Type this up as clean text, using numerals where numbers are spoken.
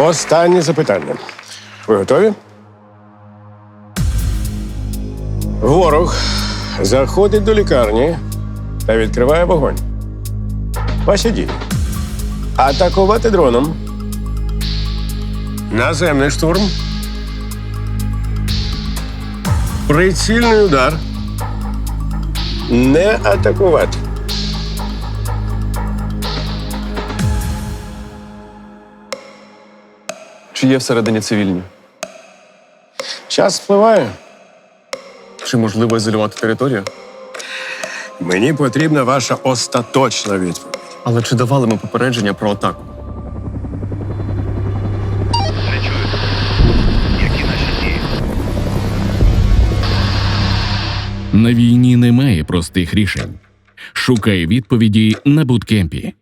Останнє запитання. Ви готові? Ворог заходить до лікарні та відкриває вогонь. Ваші дії. Атакувати дроном. Наземний штурм. Прицільний удар. Не атакувати. Чи є всередині цивільні? Час спливає. Чи можливо ізолювати територію? Мені потрібна ваша остаточна відповідь. Але чи давали ми попередження про атаку? Не чую. Які наші дії? На війні немає простих рішень. Шукай відповіді на буткемпі.